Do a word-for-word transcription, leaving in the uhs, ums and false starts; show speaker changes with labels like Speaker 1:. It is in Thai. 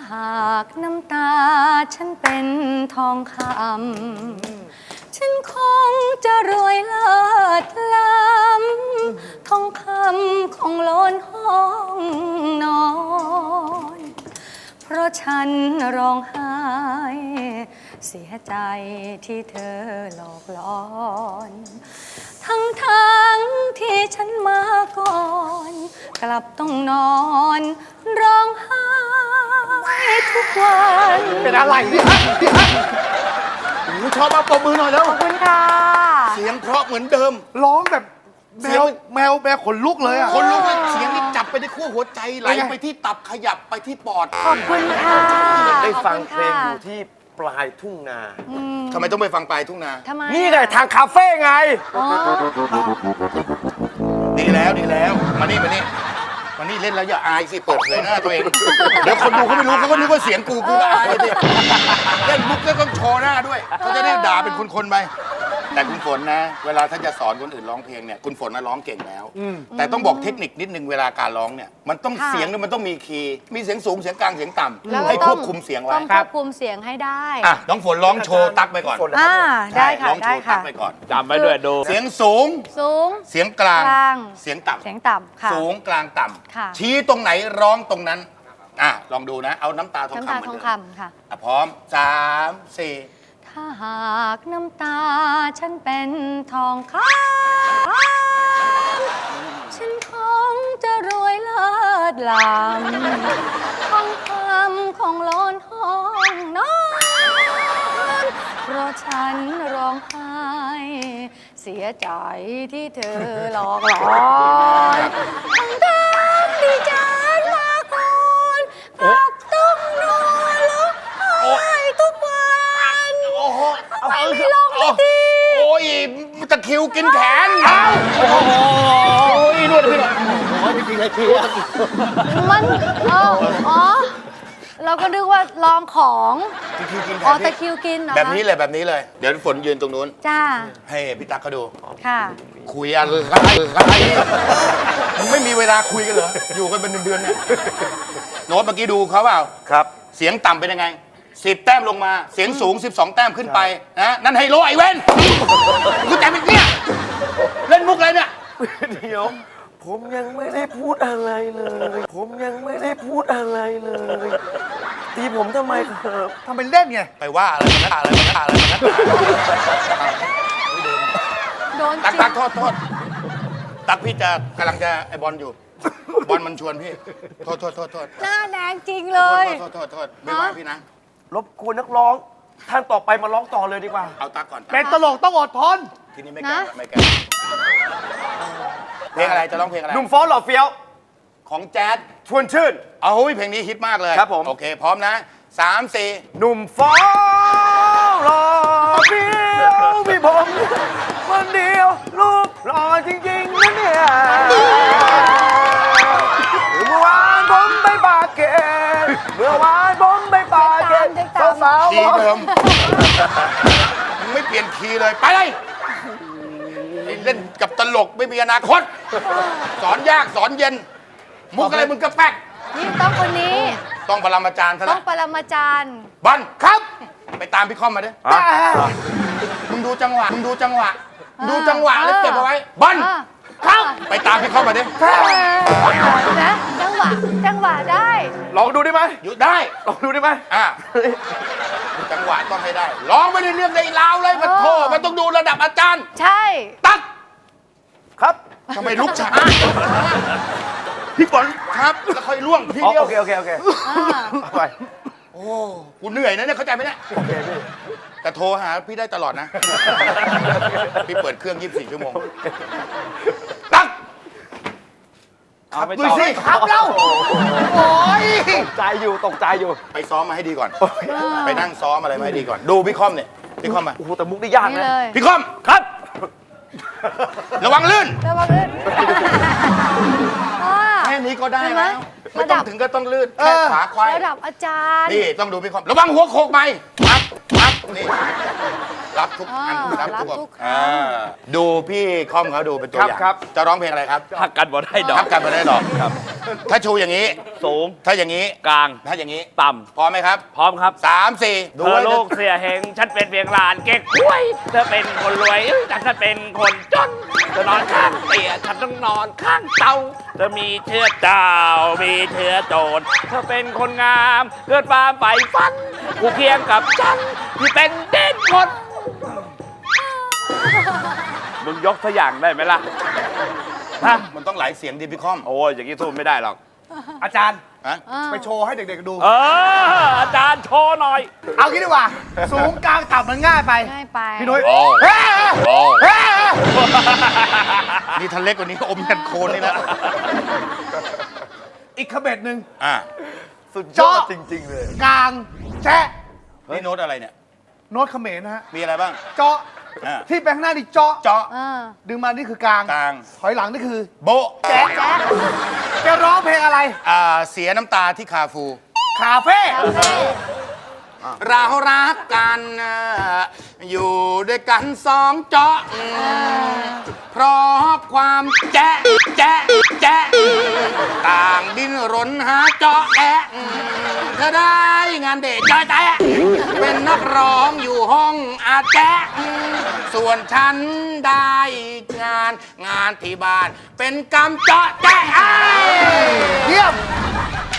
Speaker 1: หากน้ำตาฉันเป็นทองคำฉันคงจะรวยเลิศล้ำทองคำของโลนห้องนอนเพราะฉันร้องไห้เสียใจที่เธอหลอกล่อน ทั้งทั้งที่ฉันมาก่อนกลับต้องนอนร้องไห้ทุกวัน
Speaker 2: เป็นอะไรเนี่ยโอ้ชอบมาปรบมือหน่อยแล้ว
Speaker 1: ขอบคุณค่ะ
Speaker 3: เสียงเพราะเหมือนเดิม
Speaker 2: ร้องแบบแมวแมวแมวขนลุกเลยอ่ะ
Speaker 3: คนลุกเสียงนี่จับไปที่ขั้วหัวใจไหลไปที่ตับขยับไปที่ปอด
Speaker 1: ขอบคุณค่ะ
Speaker 4: ได้ฟังเพลงอยู่ที่ปลายทุ่งนา
Speaker 3: ทำไมต้องไปฟังปลายทุ่งนา
Speaker 1: ทำไม
Speaker 4: นี่ไงทางคาเฟ่ไง
Speaker 3: ดีแล้วดีแล้วมานี่มานี่มานี่เล่นแล้วอย่าอายสิเปิดเผยหน้าตัวเองเดี๋ยวคนดูเขาไม่รู้เขาก็นึกว่าเสียงกูกูก็อายสิเล่นมุกแล้วต้องโชว์หน้าด้วยเขาจะได้ด่าเป็นคนๆไปแต่คุณฝนนะเวลาถ้าจะสอนคนอื่นร้องเพลงเนี่ยคุณฝนน่ะร้องเก่งแล้วแต่ต้องบอกเทคนิคนิดนึงเวลาการร้องเนี่ยมันต้องเสียงเนี่ยมันต้องมีคีย์มีเสียงสูงเสียงกลางเสียงต่ำให้ควบคุมเสียงไว้
Speaker 1: ต้องควบคุมเสียงให้ได้
Speaker 3: อ่ะน้องฝนร้องโชว์ตั๊กไปก่อน
Speaker 1: อ่าได้ค่ะ
Speaker 3: ร้องโช
Speaker 1: ได้
Speaker 3: ว์ตั๊
Speaker 1: ค่ะ
Speaker 3: กไปก่อน
Speaker 4: จำไว้ด้วยดู
Speaker 3: เสียงสูง
Speaker 1: สูง
Speaker 3: เสียงกลาง
Speaker 1: กลาง
Speaker 3: เสียงต่ำ
Speaker 1: เสียงต่ำค่ะ
Speaker 3: สูงกลางต่
Speaker 1: ค่ะ
Speaker 3: ำชี้ตรงไหนร้องตรงนั้นอ่ะลองดูนะเอาน้ำตาทอง
Speaker 1: น้ำ
Speaker 3: คำ
Speaker 1: ตา
Speaker 3: เหมือน
Speaker 1: ทอง
Speaker 3: เดิม
Speaker 1: คำค่ะ
Speaker 3: อ่ะพร้อมสามสี่
Speaker 1: ถ้าหากน้ำตาฉันเป็นทองคำฉันคงจะรวยเลิศล้ำทองคำของโลนห้องนอนเพราะฉันร้องไห้เสียใจที่เธอหลอกหลอนทั้งทั้งที่ฉันมาก่อนกลับต้องนอนร้องไห้ทุกวัน
Speaker 3: โอ้โห
Speaker 1: ไม่มีลมไม่ดี
Speaker 3: โอ้ยตะคิวกินแขนเอาโอ้โหโอ้ยนวดพี่หน่อยโอ้ยจริงๆไอ้คิว
Speaker 1: มันอ๋ออ๋อเราก็นึกว่าลองของ
Speaker 3: ตะคิวกินแขน
Speaker 1: อ๋อตะคิวกินเหรอ
Speaker 3: แบบนี้เลยแบบนี้เลยเดี๋ยวฝนยืนตรงนู้น
Speaker 1: จ้า
Speaker 3: ให้พี่ตั๊กเขาดู
Speaker 1: ค่ะ
Speaker 3: คุยอะไรมึงไม่มีเวลาคุยกันเหรออยู่กันเป็นเดือนๆเนี่ยโน้ตเมื่อกี้ดูเขาเปล่า
Speaker 4: ครับ
Speaker 3: เสียงต่ำเป็นยังไงสิบแต้มลงมาเสียงสูงสิบสองแต้มขึ้นไปนะนั่นไฮโลไอเว้นกูแต่เป็นเนี่ยเล่นมุกอะไรเนี่ย
Speaker 4: เดี๋ยวผมยังไม่ได้พูดอะไรเลยผมยังไม่ได้พูดอะไรเลยตีผมทำไมครับ
Speaker 2: ทำเป็นเล่นไง
Speaker 3: ไปว่าอะไรนะอะไรนะอะไรนะ
Speaker 1: โดน
Speaker 3: ตักตักโทษโทษตักพี่จะกำลังจะไอบอลอยู่บอลมันชวนพี่โทษโทษโทษโทษ
Speaker 1: หน้าแดงจริงเลย
Speaker 3: โทษโทษโทษไม่ว่าพี่นะ
Speaker 4: รบกวนนักร้องท่านต่อไปมาร้องต่อเลยดีกว่า
Speaker 3: เอาตักก่อน
Speaker 2: เป็นตลกต้องอดทน
Speaker 3: ทีนี้ไม่แก้ไม่แก้เพลงอะไรจะร้องเพลงอะไร
Speaker 4: หนุ่มฟ้อนหล่อเฟี้ยว
Speaker 3: ของแจ๊ด
Speaker 4: ชวนชื่น
Speaker 3: เอาเพลงนี้ฮิตมากเลย
Speaker 4: ครับผม
Speaker 3: โอเคพร้อมนะสามสี่
Speaker 4: หนุ่มฟ้อนหล่อเฟี้ยวพี่ผมคนเดียวรูปหล่อจริงๆนะเนี่ยเมื่อวานผมไปปากเกร็ดเมื่อวานผมไปปากเกร็ดสาวๆ
Speaker 3: ดีเดิมมึงไม่เปลี่ยนคีย์เลยไปเลยเล่นกับตลกไม่มีอนาคตสอนยากสอนเย็นมุกอะไรมึงก็แป๊ก
Speaker 1: นี่ต้องคนนี้
Speaker 3: ต้องปรมาจารย์ซะ
Speaker 1: ต้
Speaker 3: แล้
Speaker 1: อ
Speaker 3: ว
Speaker 1: งปรมาจารย์
Speaker 3: บอลครับไปตามพี่คอมมาดิมึงดูจังหวะมึงดูจังหวะดูจังหวะแล้วเก็บเอาไว้บอลครับไปตามพี่คอมมาดิ
Speaker 1: นะจังหวะจังหวะได้
Speaker 4: ลองดูได้ไหม
Speaker 3: อยู่ได้
Speaker 4: ลองดูได้ไหม
Speaker 3: อ่ะจังหวะต้องให้ได้ร้องไม่ได้เรื่องในลาวเลยมันโทษมันต้องดูระดับอาจารย์
Speaker 1: ใช่
Speaker 3: ตั๊ก
Speaker 4: ครับ
Speaker 3: ทำไมลุกช้าพี่ฝนครับแล้วค่อยล่วงพี่เดียว
Speaker 4: โอเคโอเคโอเคไป
Speaker 3: โอ้กูเหนื่อยนะเนี่ยเข้าใจไหมเนี่ย
Speaker 4: โอเคพี่
Speaker 3: แต่โทรหาพี่ได้ตลอดนะพี่เปิดเครื่องยี่สิบสี่ชั่วโมงตั๊กขับดูสิขับแล้วโอ้ย
Speaker 4: ตกใจอยู่ตกใจอยู่
Speaker 3: ไปซ้อมมาให้ดีก่อนไปนั่งซ้อมอะไรมาให้ดีก่อนดูพี่คอมเนี่ยพี่คอมมา
Speaker 4: โอ้โหแต่มุกได้ยากนะ
Speaker 3: พี่คอมครับระวังลื่น
Speaker 1: ระวังลื่น
Speaker 3: แค่นี้ก็ได้แล้วไม่ต้องถึงก็ต้องลื่นแค่ขาควาย
Speaker 1: ระดับอาจารย์
Speaker 3: นี่ต้องดูพี่คอมระวังหัวโขกไหมปั๊บปั๊บนี่รับทุกอัน
Speaker 1: อ่า
Speaker 3: รับทุก
Speaker 1: รับทุก
Speaker 3: อ่าดูพี่คอมเขาดูเป็นตัวอย่าง
Speaker 4: ครับ
Speaker 3: จะร้องเพลงอะไรครับ
Speaker 2: หักกันบ่ได้ดอก
Speaker 3: ทับกันมาได้หรอกครับถ้าชูอย่างนี้
Speaker 2: สูง
Speaker 3: ถ้าอย่างนี้
Speaker 2: กลาง
Speaker 3: ถ้าอย่างนี้
Speaker 2: ต่
Speaker 3: พร้อมไหมครับ
Speaker 2: ำพร้อมครับ
Speaker 3: สามสี่
Speaker 2: เธ
Speaker 3: ดู
Speaker 2: อ
Speaker 3: ไว้
Speaker 2: ลูกเสียเหงฉันเป็นเพียงหลานเก๊กห้วย เธอเป็นคนรวยเอ้ยแต่ฉันเป็นคนจนเธอนอนข้างเตียฉันต้องนอนข้างเตาเธอมีเชื้อเจ้ามีเชื้อโจรเธอเป็นคนงามเกิดความใฝ่ฝันกูเคียงกับฉันที่เป็นเด่นคนมึงยกตัวอย่างได้ไหมล่ะฮะ
Speaker 3: มันต้องหลายเสียงดิพี่คอม
Speaker 2: โอ้ยอย่างนี้สู้ไม่ได้หรอก
Speaker 4: อาจารย์
Speaker 3: ฮะ
Speaker 1: อ่า
Speaker 4: ไปโชว์ให้เด็กๆดู
Speaker 2: เอออาจารย์โชว์หน่อย
Speaker 4: เอางี้ดีกว่า สูงกลางต่ำมันง่ายไป
Speaker 1: ง่ายไป
Speaker 4: พี่นุ้ย
Speaker 3: โอ้
Speaker 4: เฮ้ย
Speaker 3: โอ้
Speaker 4: เฮ้ย
Speaker 3: นี่ทันเล็กกว่านี้อมกันโคนเลยนะ
Speaker 4: อีกขบเบ็ดหนึ่ง
Speaker 3: อ่า
Speaker 4: สุดยอดจริง ๆ เลย กลางแจ๊ะ
Speaker 3: นี่โน้ตอะไรเนี่ย
Speaker 4: โน้ตเขมรนะฮะ
Speaker 3: มีอะไรบ้าง
Speaker 4: เจาะ
Speaker 3: อ่า
Speaker 4: ที่แปลงหน้านี่เจาะ
Speaker 3: เจาะ
Speaker 1: อ่า
Speaker 4: ดึงมานี่คือกลาง
Speaker 3: กลาง
Speaker 4: ถอยหลังนี่คือ
Speaker 3: โบะ
Speaker 4: แจ๊ะจะร้องเพลงอะไร
Speaker 3: อ่าเสียน้ำตาที่คาฟู
Speaker 4: คาเฟ่
Speaker 3: เรารักกันนะอยู่ด้วยกันสองเจาะเพราะความแจ๊ะแจ๊ะแจ๊ะต่างดิ้นรนหาเจาะแอะเธอได้งานเด็กจอยแตะเป็นนักร้องอยู่ห้องอาแจ๊ะส่วนฉันได้งานงานที่บ้าน เป็นกำเจาะแจ๊ะ
Speaker 4: เยี่ยม